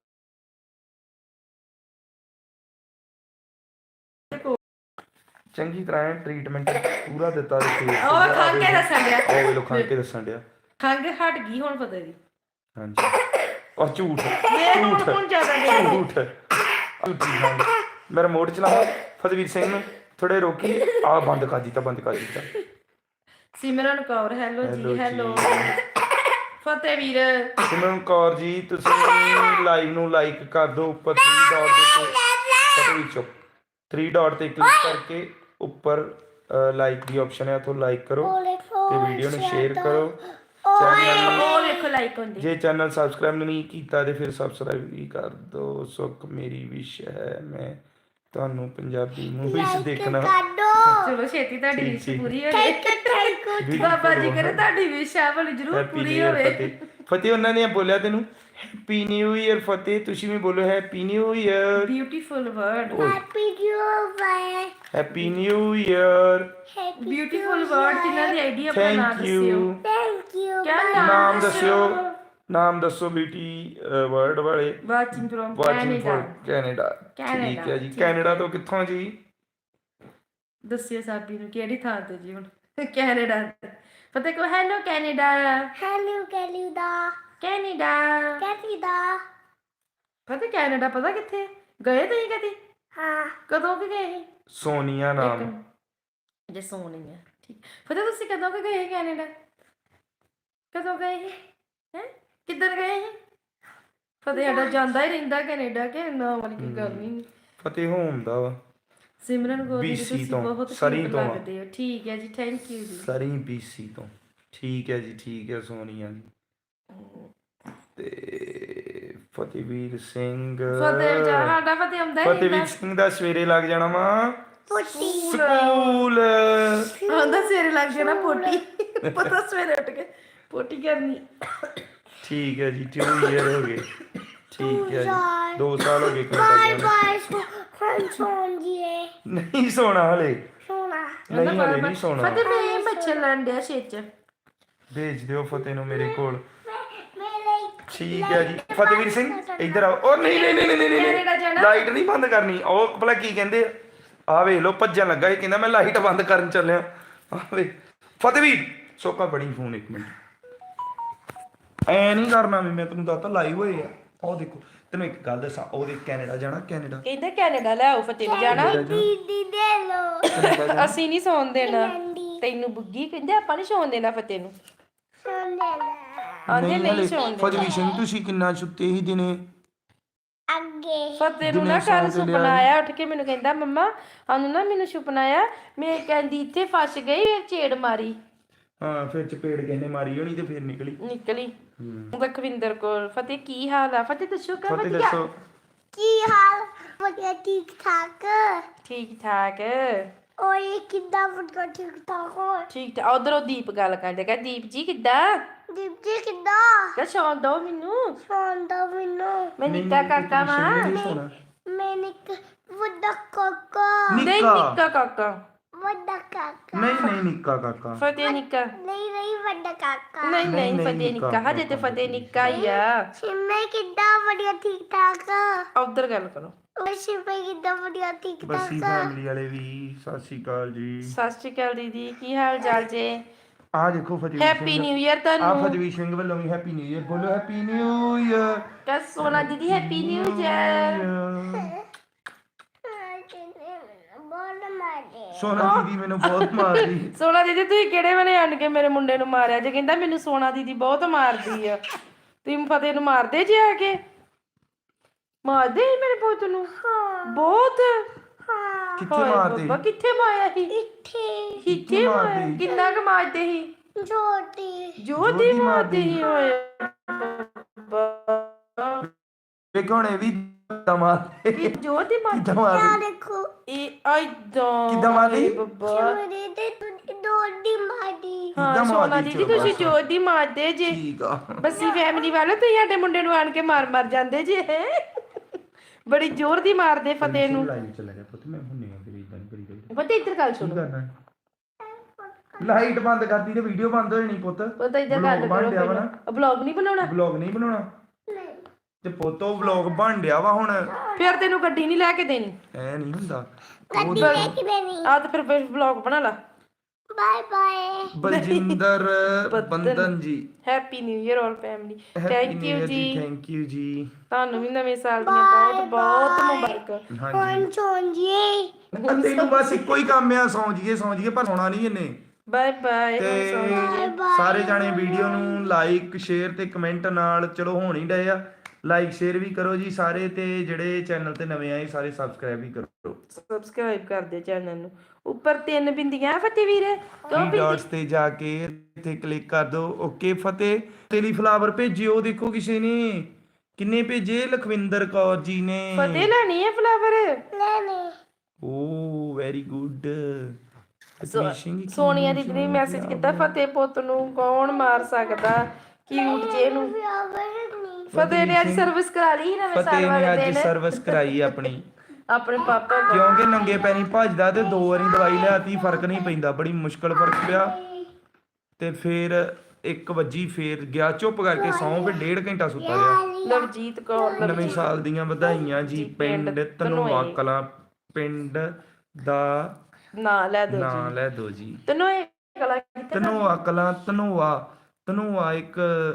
A: ਚੰਗੀ ਤਰ੍ਹਾਂ ਟ੍ਰੀਟਮੈਂਟ ਪੂਰਾ ਦਿੱਤਾ ਤੇ ਫੇਰ
C: ਉਹ ਖਾ ਕੇ ਦੱਸਣ ਡਿਆ।
A: ਉਹ ਵੇਲੋ ਖਾ ਕੇ ਦੱਸਣ ਡਿਆ।
C: ਖੰਗ ਹਟ ਗਈ ਹੁਣ ਫਤਿਹ ਦੀ।
A: ਹਾਂਜੀ ਔਰ ਝੂਠ
C: ਵੇਖ ਹੁਣ
A: ਝੂਠ
C: ਹੁਣ ਜ਼ਿਆਦਾ ਦੇ
A: ਝੂਠ ਝੂਠੀ ਖੰਗ। ਮੈਂ ਰਿਮੋਟ ਚਲਾਵਾਂ ਫਤਿਹਵੀਰ ਸਿੰਘ ਨੂੰ ਥੋੜੇ ਰੋਕੀ ਆ ਬੰਦ ਕਰ ਦਿੱਤਾ ਬੰਦ ਕਰ ਦਿੱਤਾ।
C: ਸਿਮਰਨ ਕੌਰ ਹੈਲੋ
A: Hello
C: ਜੀ
A: ਜੀ।
C: ਹੈਲੋ। ਫਤਿਹ ਵੀਰ
A: ਸਿਮਰਨ ਕੌਰ ਜੀ ਤੁਸੀਂ ਲਾਈਵ ਨੂੰ ਲਾਈਕ ਕਰ ਦਿਓ ਉੱਪਰ ਥ੍ਰੀ ਡਾਟ ਦੇ ਉੱਤੇ ਫਤਿਹਵੀਰ ਚੁੱਪ ਥ੍ਰੀ ਡਾਟ ਤੇ ਕਲਿੱਕ ਕਰਕੇ ਉੱਪਰ ਲਾਈਕ ਦੀ ਆਪਸ਼ਨ ਹੈ ਉੱਥੋਂ ਲਾਈਕ ਕਰੋ ਤੇ ਵੀਡੀਓ ਨੂੰ ਸ਼ੇਅਰ ਕਰੋ। ਚੈਨਲ
C: ਉਹ ਵੇਖੋ ਲਾਈਕ ਹੁੰਦੀ।
A: ਜੇ ਚੈਨਲ ਸਬਸਕ੍ਰਾਈਬ ਨਹੀਂ ਕੀਤਾ ਤੇ ਫਿਰ ਸਬਸਕ੍ਰਾਈਬ ਵੀ ਕਰ ਦਿਓ। ਸੁੱਖ ਮੇਰੀ ਵਿਸ਼ ਹੈ ਮੈਂ ਤੁਹਾਨੂੰ ਪੰਜਾਬੀ ਮੂਵੀਜ਼ ਦੇਖਣਾ।
C: ਚਲੋ ਛੇਤੀ ਤੁਹਾਡੀ
A: ਠੀਕ,
C: ਵਿਸ਼
A: ਠੀਕ।
C: ਪੂਰੀ ਹੋ ਜਾਏ।
A: Beautiful
C: ਬਾਬਾ ਜੀ ਕਰੇ
A: ਬਹੁਤ।
C: ਤੁਹਾਡੀ ਵਿਸ਼ ਆ ਵਾਲੀ ਜ਼ਰੂਰ
A: ਹੈਪੀ
C: ਪੂਰੀ
A: ਨਿਊ
C: ਹੋਵੇ।
A: ਇਅਰ ਫਤਿਹ। ਫਤਿਹ ਉਹਨਾਂ ਨੇ ਬੋਲਿਆ ਤੈਨੂੰ ਹੈਪੀ ਨਿਊ ਇਅਰ ਫਤਿਹ ਤੁਸੀਂ ਵੀ ਬੋਲੋ happy new year.
C: Beautiful word
B: happy new year.
A: Happy new year.
B: Happy
C: beautiful word ਜਿਨ੍ਹਾਂ ਦੀ ਆਈਡੀ ਆਪਣਾ ਨਾਮ
A: ਥੈਂਕ
C: ਦੱਸਿਓ।
A: ਯੂ।
B: Thank you.
C: ਕਿਆ
B: bye.
A: ਨਾਮ ਦੱਸਿਓ ਨਾਮ ਦੱਸੋ ਬਿਊਟੀ ਵਰਡ ਵਾਲੇ।
C: Watching from
A: watching
C: Canada.
A: For Canada. ਠੀਕ
C: ਕੈਨੇਡਾ,
A: ਹੈ ਜੀ।
C: ਠੀਕ
A: ਕੈਨੇਡਾ ਤੋਂ ਕਿੱਥੋਂ ਜੀ?
C: ਦੱਸਿਓ ਸਾਬੀ ਨੂੰ ਕਿਹੜੀ ਥਾਂ ਤੇ ਜੀ ਹੁਣ। ਕੈਨੇਡਾ ਤੇ ਫਤਿਹ ਕੋ hello Canada
B: Hello, Canada.
C: Canada.
B: Canada.
C: ਫਤਿਹ ਕੈਨੇਡਾ ਪਤਾ ਕਿੱਥੇ ਗਏ ਤੁਸੀਂ ਕਦੀ?
B: ਹਾਂ
C: ਕਦੋਂ ਕਿ ਗਏ ਸੀ?
A: ਸੋਨੀਆ ਨਾਮ।
C: ਜੇ ਸੋਨੀ ਹੈ ਠੀਕ। ਫਤਿਹ ਤੁਸੀਂ ਕਦੋਂ ਕਿ ਗਏ ਸੀ ਕੈਨੇਡਾ? ਕਦੋਂ ਗਏ ਸੀ ਹੈ ਕਿੱਧਰ ਗਏ ਸੀ? ਫਤਿਹ ਸਾਡਾ ਜਾਂਦਾ ਹੀ ਰਹਿੰਦਾ ਕੈਨੇਡਾ ਕਿ ਨਾ ਵਾਲੀ ਕੋਈ ਗੱਲ ਨਹੀਂ।
A: ਫਤਿਹ ਹੋਮ ਦਾ ਵਾ
C: ਸਿਮਰਨ ਗੋਰੀ ਜੀ
A: BC
C: ਤੁਸੀਂ
A: ਤੋਂ,
C: ਬਹੁਤ
A: ਸਰੀ
C: cute
A: ਤੋਂ ਆ।
C: ਲੱਗਦੇ ਹੋ। ਠੀਕ ਹੈ ਜੀ ਥੈਂਕ ਯੂ ਜੀ।
A: ਸਰੀ ਬੀਸੀ ਤੋਂ। ਠੀਕ ਹੈ ਜੀ ਠੀਕ ਹੈ ਸੋਨੀਆ ਜੀ। ਤੇ ਫਤਿਹਵੀਰ ਸਿੰਘ
C: ਫਤਿਹ ਜਾ ਸਾਡਾ ਫਤਿਹ ਆਉਂਦਾ ਹੀ
A: ਫਤਿਹਵੀਰ
C: ਰਹਿੰਦਾ।
A: ਸਿੰਘ ਦਾ ਸਵੇਰੇ ਲੱਗ ਜਾਣਾ ਵਾ
B: ਪੁੱਟੀ
A: ਸਕੂਲ।
C: ਆਉਂਦਾ ਸਵੇਰੇ ਲੱਗ ਜਾਣਾ ਪੋਟੀ। ਪਤਾ ਸਵੇਰੇ ਉੱਠ ਕੇ ਪੋਟੀ ਕਰਨੀ।
A: ਠੀਕ ਹੈ ਜੀ ਟੂ ਈਅਰ ਹੋ ਗਏ। ਠੀਕ ਹੈ ਜੀ ਦੋ ਸਾਲ ਹੋ ਗਏ
B: ਬਾਏ
A: ਕੈਨੇਡਾ
B: ਬਾਏ ਹੁਣ ਸੌਂ ਜੀਏ
A: ਨਹੀਂ ਸੋਣਾ ਹਲੇ।
B: ਸੋਣਾ
A: ਨਹੀਂ ਹਲੇ ਨਹੀਂ ਸੋਣਾ।
C: ਫਤਿਹ ਮੈਂ ਬੱਚੇ ਲੈਣ ਡਿਆ ਛੇਚ।
A: ਭੇਜ ਦਿਓ ਫਤਿਹ ਨੂੰ ਮੇਰੇ ਕੋਲ।
B: ਮੇਰੇ
A: ਠੀਕ ਹੈ ਜੀ ਫਤਿਹਵੀਰ ਸਿੰਘ ਇੱਧਰ ਆਓ। ਉਹ ਨਹੀਂ ਨਹੀਂ ਨਹੀਂ ਨਹੀਂ
C: ਕੈਨੇਡਾ
A: ਨਹੀਂ
C: ਜਾਣਾ?
A: ਲਾਈਟ ਨਹੀਂ ਬੰਦ ਕਰਨੀ। ਉਹ ਭਲਾ ਕੀ ਕਹਿੰਦੇ ਆ ਆਹ ਵੇਖ ਲਓ ਭੱਜਣ ਲੱਗਾ ਇਹ ਕਹਿੰਦਾ ਮੈਂ ਲਾਈਟ ਬੰਦ ਕਰਨ ਚੱਲਿਆ। ਆਹ ਵੇ ਫਤਿਹਵੀਰ ਸੋਕਾ ਬੜੀ ਫੋਨ ਇੱਕ ਮਿੰਟ ਐ ਨਹੀਂ ਕਰਨਾ ਵੀ ਮੈਂ ਤੈਨੂੰ ਦੱਸਤਾ ਲਾਈਵ ਹੋਏ ਆ। ਉਹ ਦੇਖੋ ਤੈਨੂੰ ਇੱਕ ਗੱਲ ਦੱਸਾਂ ਉਹਦੇ ਕੈਨੇਡਾ ਜਾਣਾ ਕੈਨੇਡਾ
C: ਕਹਿੰਦਾ ਕੈਨੇਡਾ ਲੈ ਆਓ ਫਤਿਹ ਨੂੰ ਜਾਣਾ।
B: ਦੀਦੀ ਦੇ ਲੋ
C: ਅਸੀਂ ਨਹੀਂ ਸੌਣ ਦੇਣਾ ਤੈਨੂੰ ਬੁੱਗੀ ਕਹਿੰਦੇ ਆਪਾਂ ਨਹੀਂ ਸੌਣ ਦੇਣਾ ਫਤਿਹ ਨੂੰ।
B: ਸੌਂ ਲੈ
C: ਆਂਦੇ ਨਹੀਂ ਸੌਣ ਦੇਣਾ।
A: ਫਤਿਹਵੀਰ ਸਿੰਘ ਤੁਸੀਂ ਕਿੰਨਾ ਸੁੱਤੇ ਸੀ ਦਿਨੇ?
B: ਅੱਗੇ
C: ਫਤਿਹ ਨੂੰ
A: ਦਿਨੇ
C: ਨਾ
A: ਸੌਂ
C: ਕੱਲ
A: ਕੇ ਲਿਆ
C: ਸੁਪਨਾ ਆਇਆ ਉੱਠ ਕੇ ਮੈਨੂੰ ਕਹਿੰਦਾ ਮੰਮਾ ਸਾਨੂੰ ਨਾ ਮੈਨੂੰ ਸੁਪਨਾ ਆਇਆ ਮੈਂ ਕਹਿੰਦੀ ਇੱਥੇ ਫਸ ਗਈ ਫਿਰ ਛੇੜ ਮਾਰੀ
A: ਹਾਂ ਫਿਰ ਚਪੇੜ ਕਹਿੰਦੇ ਮਾਰੀ ਹੋਣੀ ਤੇ ਫਿਰ ਨਿਕਲੀ
C: ਨਿਕਲੀ। ਲਖਵਿੰਦਰ ਕੌਰ ਫਤਿਹ ਕੀ ਹਾਲ ਆ ਫਤਿਹ ਦੱਸੋ ਕਾ
A: ਫਤਿਹ
C: ਵਧੀਆ
A: ਦੱਸੋ
B: ਕੀ ਹਾਲ ਵਧੀਆ ਠੀਕ ਠਾਕ
C: ਠੀਕ ਠਾਕ
B: ਓਏ ਕਿੱਦਾਂ ਵਧੀਆ ਠੀਕ ਠਾਕ ਹੋ
C: ਠੀਕ ਠਾਕ। ਉਧਰੋਂ ਦੀਪ ਗੱਲ ਕਰਦੇ ਕਹ ਦੀਪ ਜੀ ਕਿੱਦਾਂ
B: ਦੀਪ ਜੀ ਕਿੱਦਾਂ
C: ਕਹ ਸੌਂ ਦੋ ਮੈਨੂੰ
B: ਸੌਂਦਾ ਮੈਨੂੰ
C: ਮੈਂ ਨਿੱਕਾ ਕਾਕਾ ਵਾਂ
A: ਨਹੀਂ ਸੋਣਾ
B: ਮੈਂ ਨਿੱਕ ਵੱਡਾ ਕਾਕਾ
C: ਨਹੀਂ
A: ਨਿੱਕਾ
C: ਨਿੱਕਾ ਕਾਕਾ
B: ਵੱਡਾ ਕਾਕਾ
A: ਨਹੀਂ ਨਹੀਂ ਨਿੱਕਾ ਕਾਕਾ
C: ਫਤਿਹ ਨਿੱਕਾ
B: ਨਹੀਂ ਨਹੀਂ ਵੱਡਾ ਕਾਕਾ
C: ਨਹੀਂ
A: ਨਹੀਂ,
C: ਨਹੀਂ
A: ਨਹੀਂ,
C: ਫਤਿਹ
A: ਨਿੱਕਾ,
C: ਨਿੱਕਾ ਹਜੇ ਤੇ
A: ਨਿੱਕਾ,
C: ਫਤਿਹ ਨਿੱਕਾ ਹੀ ਆ
B: ਸਿੰਮੇ ਕਿੱਦਾਂ ਵਧੀਆ ਠੀਕ ਠਾਕ
C: ਉਧਰ ਗੱਲ ਕਰੋ
B: ਓਏ ਸਿੰਮੇ ਕਿੱਦਾਂ ਵਧੀਆ ਠੀਕ
A: ਬੱਸੀ
B: ਠਾਕ
A: ਫੈਮਿਲੀ ਵਾਲੇ ਵੀ ਸਤਿ ਸ਼੍ਰੀ ਅਕਾਲ ਜੀ।
C: ਸਤਿ ਸ਼੍ਰੀ ਅਕਾਲ ਦੀਦੀ ਕੀ ਹਾਲ ਚਾਲ ਜੇ
A: ਆ ਦੇਖੋ Fatehvir
C: happy
A: Singh
C: new year
A: ਆ
C: ਤੁਹਾਨੂੰ
A: ਫਤਿਹਵੀਰ ਸਿੰਘ ਵੱਲੋਂ ਵੀ ਹੈਪੀ ਨਿਊ ਇਅਰ ਬੋਲੋ ਹੈਪੀ ਨਿਊ ਇਅਰ
C: ਕਹ ਸੋਨਾ ਦੀਦੀ ਹੈਪੀ ਨਿਊ ਇਅਰ
B: ਬੋਲ ਮਾਰੇ
A: ਸੋਨਾ ਦੀਦੀ ਮੈਨੂੰ ਬਹੁਤ ਮਾਰਦੀ।
C: ਸੋਨਾ ਦੀਦੀ ਤੁਸੀਂ ਕਿਹੜੇ ਵੇਲੇ ਆਣ ਕੇ ਮੇਰੇ ਮੁੰਡੇ ਨੂੰ ਮਾਰਿਆ ਜੇ ਕਹਿੰਦਾ ਮੈਨੂੰ ਸੋਨਾ ਦੀਦੀ ਬਹੁਤ ਮਾਰਦੀ ਆ ਤੁਸੀਂ ਫਤਿਹ ਨੂੰ ਮਾਰਦੇ ਜੇ ਆ ਕੇ ਮਾਰਦੇ ਸੀ ਮੇਰੇ ਪੁੱਤ ਨੂੰ ਬਹੁਤ
B: ਹਾਂ
A: ਕਿੱਥੇ
C: ਹਾਏ
A: ਮਾਰਦੀ
C: ਬਾਬਾ ਕਿੱਥੇ ਮਾਰਿਆ ਸੀ
B: ਇੱਥੇ
C: ਕਿੱਥੇ ਮਾਰਿਆ
A: ਮਾਰਦੀ?
C: ਕਿੰਨਾ ਕੁ ਮਾਰਦੇ ਸੀ
B: ਛੋਟੀ
C: ਜੋਤੀ
A: ਜੋਤੀ
C: ਮਾਰਦੀ ਸੀ
A: ਮਾਰਦੀ।
C: ਓਏ ਬਾਬਾ
A: ਵੇਖੋ ਹੁਣ ਇਹ ਵੀ ਕਿੱਦਾਂ ਮਾਰਦੇ
C: ਕਿ ਜੋਤੀ ਮਾਰਦੀ
A: ਕਿੱਦਾਂ ਮਾਰਦੇ
B: ਆ ਦੇਖੋ
C: ਇਹ ਆਈਦਾਂ
A: ਕਿੱਦਾਂ ਮਾਰਦੀ?
C: ਬਾਬਾ
B: ਮੇਰੇ ਤੇ ਦੋੜੀ ਮਾਰੀ
C: ਹਾਂ
A: ਕਿੱਦਾਂ
C: ਸੋਨਾ
A: ਮਾਰਦੀ
C: ਦੀਦੀ
A: ਚਲੋ
C: ਤੁਸੀਂ
A: ਬਸ।
C: ਜੋਤੀ ਮਾਰਦੇ ਜੇ
A: ਠੀਕ ਆ
C: ਬੱਸੀ ਫੈਮਿਲੀ ਵਾਲੇ ਤੁਸੀਂ ਸਾਡੇ ਮੁੰਡੇ ਨੂੰ ਆਣ ਕੇ ਮਾਰ ਮਾਰ ਜਾਂਦੇ ਜੇ ਬੜੀ ਜ਼ੋਰ ਦੀ ਮਾਰਦੇ ਫਤਿਹ ਨੂੰ
A: ਲਾਈਵ ਚੱਲ ਗਿਆ ਪੁੱਤ ਮੈਂ ਹੁੰਨੇ ਆ ਫਿਰ ਇਦਾਂ ਨਹੀਂ ਕਰੀ ਕਰੀ
C: ਪਤਾ ਇੱਧਰ ਗੱਲ
A: ਕੀ
C: ਸੁਣੋ
A: ਕਰਨਾ ਲਾਈਟ ਬੰਦ ਕਰਦੀ ਤੇ ਵੀਡੀਓ ਬੰਦ ਹੋ ਜਾਣੀ ਪੁੱਤ
C: ਪਤਾ ਇੱਧਰ ਗੱਲ ਕਰੋ ਪਹਿਲਾਂ ਵਲੌਗ ਨਹੀਂ ਬਣਾਉਣਾ
A: ਵਲੌਗ ਨਹੀਂ ਬਣਾਉਣਾ ਤੇ ਪੁੱਤੋ ਵਲੌਗ ਬਣ ਡਿਆ ਵਾ ਹੁਣ
C: ਫਿਰ ਤੈਨੂੰ ਗੱਡੀ ਨਹੀਂ ਲੈ ਕੇ ਦੇਣੀ
A: ਐ ਨਹੀਂ ਹੁੰਦਾ
B: ਗੱਡੀ ਲੈ ਕੇ ਦੇਣੀ
C: ਆ ਤਾਂ ਫਿਰ ਵਲੌਗ ਬਣਾ ਲਾ
B: bye bye
A: Baljinder Bandan ji
C: happy new year all family thank you ਜੀ
A: ਥੈਂਕ ਯੂ ਜੀ
C: ਤੁਹਾਨੂੰ ਵੀ ਨਵੇਂ ਸਾਲ ਦੀਆਂ ਬਹੁਤ ਬਹੁਤ ਮੁਬਾਰਕਾਂ
A: ਹਾਂਜੀ
B: ਕੌਣ ਚੋਂਜੀ
A: ਤੈਨੂੰ ਬਸ ਇੱਕੋ ਹੀ ਕੰਮ ਆ ਸੌਂ ਜੀਏ ਸੌਂ ਜੀਏ ਪਰ ਸੌਣਾ ਨਹੀਂ ਇਹਨੇ
C: ਬਾਏ ਬਾਏ
A: ਤੇ ਸਾਰੇ ਜਾਣੇ ਵੀਡੀਓ ਨੂੰ ਲਾਈਕ ਸ਼ੇਅਰ ਤੇ ਕਮੈਂਟ ਨਾਲ ਚਲੋ ਹੋਣ ਹੀ ਡਏ ਆ ਲਾਈਕ ਸ਼ੇਅਰ ਵੀ ਕਰੋ ਜੀ ਸਾਰੇ ਤੇ ਜਿਹੜੇ ਚੈਨਲ ਤੇ ਨਵੇਂ ਆਏ ਸਾਰੇ ਸਬਸਕ੍ਰਾਈਬ ਵੀ ਕਰੋ
C: ਸਬਸਕ੍ਰਾਈਬ ਕਰ ਦਿਓ ਚੈਨਲ ਨੂੰ ਉੱਪਰ ਤਿੰਨ ਬਿੰਦੀਆਂ ਫਤਿਹ ਵੀਰ ਦੋ
A: ਥ੍ਰੀ ਡਾਟਸ ਤੇ ਜਾ ਕੇ ਇੱਥੇ ਕਲਿੱਕ ਕਰ ਦਿਓ ਓਕੇ ਫਤਿਹ ਤੇਰੀ ਫਲਾਵਰ ਭੇਜਿਓ ਦੇਖੋ ਕਿਸੇ ਨੇ ਕਿੰਨੇ ਭੇਜੇ ਲਖਵਿੰਦਰ ਕੌਰ ਜੀ ਨੇ
C: ਫਤਿਹ ਲੈਣੀ ਹੈ ਫਲਾਵਰ
B: ਲੈਣੇ
A: ਓ ਵੈਰੀ ਗੁੱਡ
C: ਸੋਨੀਆ ਦੀਦੀ ਨੇ ਮੈਸੇਜ ਕੀਤਾ ਫਤਿਹ ਪੁੱਤ ਨੂੰ ਕੌਣ ਮਾਰ ਸਕਦਾ ਕਿਊਟ ਜੇ ਨੂੰ
B: ਨਹੀਂ
C: ਫਤਿਹ ਨੇ ਅੱਜ ਸਰਵਿਸ ਕਰਾ ਲਈ ਨਵੇਂ ਸਾਲ
A: ਫਤਿਹ
C: ਵਾਲੇ
A: ਨੇ ਅੱਜ
C: ਦਿਨ
A: ਸਰਵਿਸ ਕਰਾਈ ਆਪਣੀ
C: ਆਪਣੇ ਪਾਪਾ ਕੋਲ
A: ਕਿਉਂਕਿ ਨੰਗੇ ਪੈਰੀ ਭੱਜਦਾ ਤੇ ਦੋ ਵਾਰੀ ਦਵਾਈ ਲਿਆਤੀ ਫਰਕ ਨਹੀਂ ਪੈਂਦਾ bੜੀ ਮੁਸ਼ਕਲ ਫਰਕ ਪਿਆ ਤੇ ਫਿਰ ਇੱਕ ਵੱਜੀ ਫੇਰ ਗਿਆ ਚੁੱਪ ਕਰਕੇ ਸੌਂ ਫਿਰ ਡੇਢ ਘੰਟਾ ਸੁੱਤਾ ਰਿਹਾ
C: ਲਵਜੀਤ ਕੌਰ
A: ਨਵੇਂ ਸਾਲ ਦੀਆਂ ਵਧਾਈਆਂ ਜੀ ਪਿੰਡ ਧਨੋਆ ਕਲਾਂ ਪਿੰਡ ਦਾ
C: ਨਾ ਲੈ ਦੋ
A: ਨਾਂ ਲੈ ਦੋ ਜੀ
C: ਤੈਨੂੰ ਇਹ ਕਲਾ ਕਿਤੇ
A: ਧਨੋਆ ਕਲਾਂ ਧਨੋਆ ਧਨੋਆ ਇੱਕ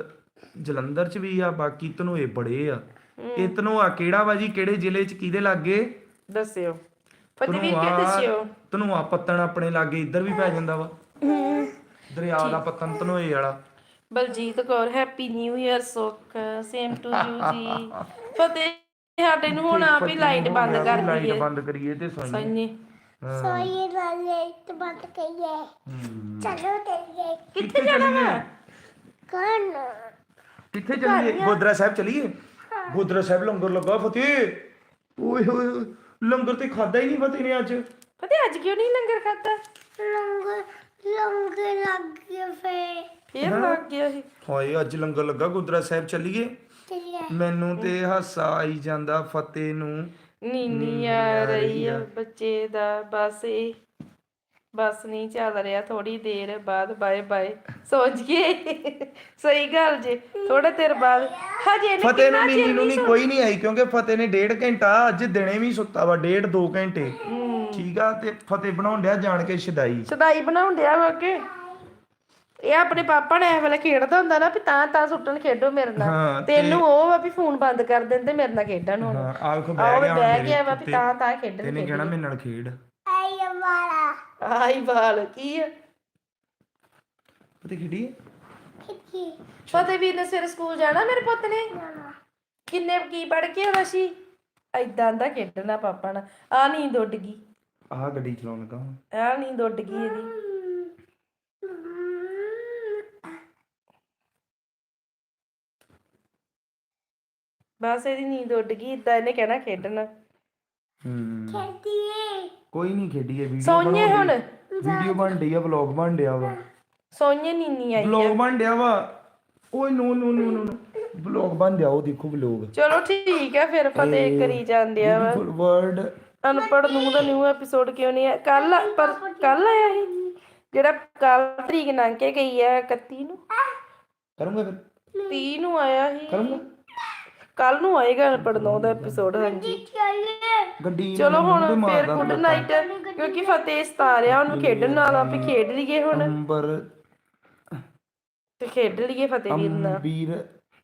A: ਜਲੰਧਰ ਚ ਵੀ ਆ ਬਾਕੀ ਧਨੋਏ ਬੜੇ ਆ ਇਹ ਧਨੋਆ ਕਿਹੜਾ ਵਾ ਜੀ ਕਿਹੜੇ ਜ਼ਿਲ੍ਹੇ ਚ ਕਿਹਦੇ ਲਾਗੇ
C: ਦੱਸਿਓ ਫਤਿਹ ਵੀਰ ਕੇ ਦੱਸਿਓ
A: ਧਨੋਆ ਪੱਤਣ ਆਪਣੇ ਲਾਗੇ ਇੱਧਰ ਵੀ ਪੈ ਜਾਂਦਾ ਵਾ ਦਰਿਆ ਦਾ ਪੱਤਣ ਧਨੋਏ ਵਾਲਾ
C: Baljit Kaur happy new year Sukh same to you ਜੀ ਫਤਿਹ ਸਾਡੇ ਨੂੰ ਹੁਣ ਆਪ ਹੀ ਲਾਈਟ ਬੰਦ ਕਰ
A: ਲਾਈਟ
C: ਦਈਏ
A: ਬੰਦ ਕਰੀਏ ਤੇ ਸੋਈਏ
C: ਸੋਈਏ
B: ਸੋਈ ਵਾਲੇ ਤੇ ਬੰਦ ਕਈਏ ਚਲੋ ਚੱਲੀਏ
C: ਕਿੱਥੇ ਜਾਣਾ ਵਾ
B: ਕੌਣ
A: ਕਿੱਥੇ ਚੱਲੀਏ ਗੋਦਰਾ ਸਾਹਿਬ ਚੱਲੀਏ ਗੋਦਰਾ ਸਾਹਿਬ ਲੰਗਰ ਲੱਗਾ ਫਤਿਹ ਓਏ ਹੋਏ ਹੋਏ, ਲੰਗਰ ਤੇ ਖਾਦਾ ਹੀ ਨਹੀਂ ਫਤਿਹ ਨੇ ਅੱਜ
C: ਫਤਿਹ ਅੱਜ ਕਿਉਂ ਨਹੀਂ ਲੰਗਰ ਖਾਦਾ
B: ਲੰਗ ਲੰਗ ਲੱਗ ਗਿਆ ਫੇ
C: ਫੇਰ ਲੱਗ ਗਿਆ ਸੀ
A: ਹਾਏ ਅੱਜ ਲੰਗਰ ਲੱਗਾ ਗੋਦਰਾ ਸਾਹਿਬ ਚੱਲੀਏ
B: ਚੱਲੀਏ
A: ਮੈਨੂੰ ਤੇ ਹਾਸਾ ਆਈ ਜਾਂਦਾ ਫਤਿਹ ਨੂੰ
C: ਨੀਨੀ ਆ ਰਹੀ ਆ ਬੱਚੇ ਦਾ ਬਸ ਇਹ ਬਸ ਨਹੀਂ ਚੱਲ ਰਿਹਾ ਥੋੜੀ ਦੇਰ ਬਾਅਦ ਬਾਏ ਬਾਏ ਸੋਚ ਗਏ ਸਹੀ ਗੱਲ ਜੇ ਥੋੜੇ ਦੇਰ ਬਾਅਦ ਹਜੇ ਇਹਨੇ
A: ਫਤਿਹ ਨੂੰ
C: ਕਿੰਨਾ
A: ਨੀਨੀ
C: ਚਿਰ
A: ਨੂੰ
C: ਨਹੀਂ
A: ਨਹੀਂ ਕੋਈ ਨਹੀਂ ਆਈ ਕਿਉਂਕਿ ਫਤਿਹ ਨੇ ਡੇਢ ਘੰਟਾ ਅੱਜ ਦਿਨੇ ਵੀ ਸੁੱਤਾ ਵਾ ਡੇਢ ਦੋ ਘੰਟੇ ਠੀਕ ਆ ਤੇ ਫਤਿਹ ਬਣਾਉਣ ਡਿਆ ਜਾਣ ਕੇ ਛਦਾਈ
C: ਸਦਾਈ ਬਣਾਉਣ ਡਿਆ ਵਾ ਕਿ ਇਹ ਆਪਣੇ ਪਾਪਾ ਨੇ ਇਹ ਵੇਲੇ ਖੇਡਦਾ ਹੁੰਦਾ ਨਾ ਵੀ ਤਾਂ ਤਾਂ ਸੁੱਟਣ ਖੇਡੋ ਮੇਰੇ
A: ਹਾਂ,
C: ਨਾਲ
A: ਤੇ-
C: ਤੈਨੂੰ ਉਹ ਵਾ ਵੀ ਫੋਨ ਬੰਦ ਕਰ ਦਿੰਦੇ ਮੇਰੇ ਨਾਲ ਖੇਡਣ ਹੁਣ
A: ਹਾਂ ਆਹ ਵੇਖੋ
C: ਆਹ
A: ਬਹਿ ਗਿਆ
C: ਬਹਿ
A: ਹੁਣ
C: ਗਿਆ ਵਾ
A: ਮੇਰੇ
C: ਵੀ ਤਾਂ ਤਾਂ ਖੇਡਣ
A: ਤੈਨੇ ਕਹਿਣਾ ਮੇਰੇ ਨਾਲ ਖੇਡ
B: ਆਈ ਵਾਲਾ
C: ਆਈ ਬਾਲ ਕੀ ਆ
A: ਫਤਿਹ ਖੇਡੀ
B: ਕਿੱਥੇ
C: ਫਤਿਹ ਵੀਰ ਨੇ ਸਵੇਰੇ ਸਕੂਲ ਜਾਣਾ ਮੇਰੇ ਪੁੱਤ ਨੇ ਕਿੰਨੇ ਕੀ ਪੜ ਕੇ ਆਉਣਾ ਸੀ ਐਦਾਂ ਦਾ ਖੇਡਣਾ ਪਾਪਾ ਨਾਲ ਆ ਨੀਂਦ ਉੱਡ ਗਈ
A: ਆਹ ਗੱਡੀ ਚਲਾਉਣ ਲੱਗਾ ਹੁਣ
C: ਆ ਨੀਂਦ ਉੱਡ ਗਈ ਇਹਦੀ ਬਸ ਇਹਦੀ ਨੀਂਦ ਉੱਡ ਗਈ ਇਦਾਂ ਇਹਨੇ ਕਹਿਣਾ ਖੇਡਣਾ
A: ਹੂੰ
B: ਖੇਡੀਏ
A: ਕੋਈ ਨਹੀਂ ਖੇਡੀਏ ਵੀਡੀਓ
C: ਸੋਈਏ ਹੁਣ
A: ਵੀਡੀਓ ਬਣ ਡਈ ਆ ਵਲੌਗ ਬਣ ਡਿਆ ਵਾ
C: ਸੋਈਏ ਨੀਨੀ ਆਈ
A: ਵਲੌਗ ਬਣ ਡਿਆ ਵਾ ਓਏ ਨੋ ਨੋ ਨੋ ਨੋ ਵਲੌਗ ਬਣ ਡਿਆ ਉਹ ਦੇਖੋ ਵਲੌਗ
C: ਚਲੋ ਠੀਕ ਹੈ ਫਿਰ ਫਤਿਹ ਕਰੀ ਜਾਂਦੇ ਆ ਵਾ
A: ਵਰਡ
C: ਅਨਪੜ੍ਹ ਨੂੰ ਦਾ ਨਿਊ ਐਪੀਸੋਡ ਕਿਉਂ ਨਹੀਂ ਹੈ ਕੱਲ ਪਰ ਕੱਲ ਆਇਆ ਸੀ ਜਿਹੜਾ ਕੱਲ ਤਰੀਕ ਲੰਘ ਕੇ ਗਈ ਹੈ ਇਕੱਤੀ ਨੂੰ
A: ਕਰੂੰਗਾ ਫਿਰ
C: ਤੀਹ ਨੂੰ ਆਇਆ ਸੀ
A: ਕਰੂੰਗਾ
C: ਕੱਲ ਨੂੰ ਆਏਗਾ ਅਨਪੜ੍ਹ ਨੂੰ ਦਾ ਐਪੀਸੋਡ ਹਾਂਜੀ
A: ਗੱਡੀ
C: ਚਲੋ ਹੁਣ
A: ਮੈਨੂੰ ਤੇ
C: ਫਿਰ
A: ਮਾਰਦਾ
C: ਗੁੱਡ ਨਾਈਟ ਕਿਉਂਕਿ ਫਤਿਹ ਸਤਾ ਰਿਹਾ ਉਹਨੂੰ ਖੇਡਣ ਨਾਲ ਆਪੇ ਖੇਡ ਲਈਏ ਹੁਣ
A: ਅੰਬਰ
C: ਤੇ ਖੇਡ ਲਈਏ ਫਤਿਹ ਵੀਰ ਨਾਲ
A: ਅੰਬੀਰ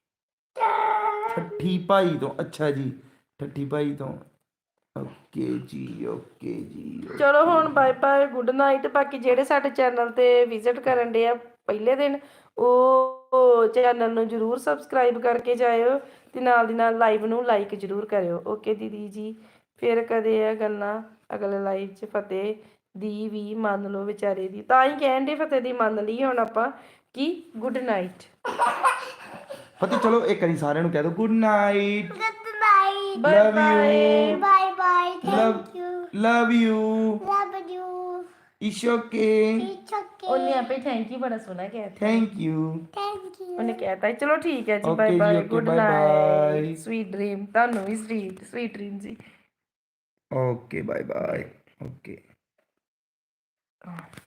A: ਠੱਠੀ ਭਾਈ ਤੋਂ ਅੱਛਾ ਜੀ ਠੱਠੀ ਭਾਈ ਤੋਂ ਓਕੇ ਜੀ ਓਕੇ ਜੀ
C: ਚਲੋ ਹੁਣ ਬਾਏ ਬਾਏ ਗੁੱਡ ਨਾਈਟ ਬਾਕੀ ਜਿਹੜੇ ਸਾਡੇ ਚੈਨਲ ਤੇ ਵਿਜ਼ਿਟ ਕਰਨ ਦੇ ਆ ਪਹਿਲੇ ਦਿਨ ਉਹ ਚੈਨਲ ਨੂੰ ਜਰੂਰ ਸਬਸਕ੍ਰਾਈਬ ਕਰਕੇ ਜਾਇਓ ਤੇ ਨਾਲ ਦੀ ਨਾਲ ਲਾਈਵ ਨੂੰ ਲਾਈਕ ਜਰੂਰ ਕਰਿਓ ਓਕੇ ਦੀਦੀ ਜੀ ਫਿਰ ਕਦੇ ਇਹ ਗੱਲਾਂ ਅਗਲੇ ਲਾਈਵ 'ਚ ਫਤਿਹ ਦੀ ਵੀ ਮੰਨ ਲਓ ਵਿਚਾਰੇ ਦੀ ਤਾਂ ਹੀ ਕਹਿਣ ਦੇ ਫਤਿਹ ਦੀ ਮੰਨ ਲਈ ਹੁਣ ਆਪਾਂ ਕਿ ਗੁੱਡ ਨਾਈਟ
A: ਫਤਿਹ ਚਲੋ ਇੱਕ ਵਾਰੀ ਸਾਰਿਆਂ ਨੂੰ ਕਹਿ ਦਿਓ good night
B: Good night.
C: Bye
A: Love
C: bye
A: you.
B: Bye bye.
A: Love
B: Thank you.
A: Love you
B: Love you.
A: It's okay
B: It's okay.
C: ਉਹਨੇ ਆਪੇ ਥੈਂਕ ਯੂ ਬੜਾ ਸੋਹਣਾ ਕਿਹਾ
A: ਥੈਂਕ ਯੂ
B: Thank you.
C: ਉਹਨੇ ਕਹਿਤਾ ਚਲੋ ਠੀਕ ਹੈ ਜੀ
A: Okay
C: ਬਾਏ
A: ਜੀ,
C: bye
A: okay,
C: good
A: bye
C: night
A: bye.
C: Sweet dream ਤੁਹਾਨੂੰ ਵੀ ਸਵੀਟ ਸਵੀਟ ਡ੍ਰੀਮ ਜੀ
A: ਓਕੇ ਬਾਏ ਬਾਏ ਓਕੇ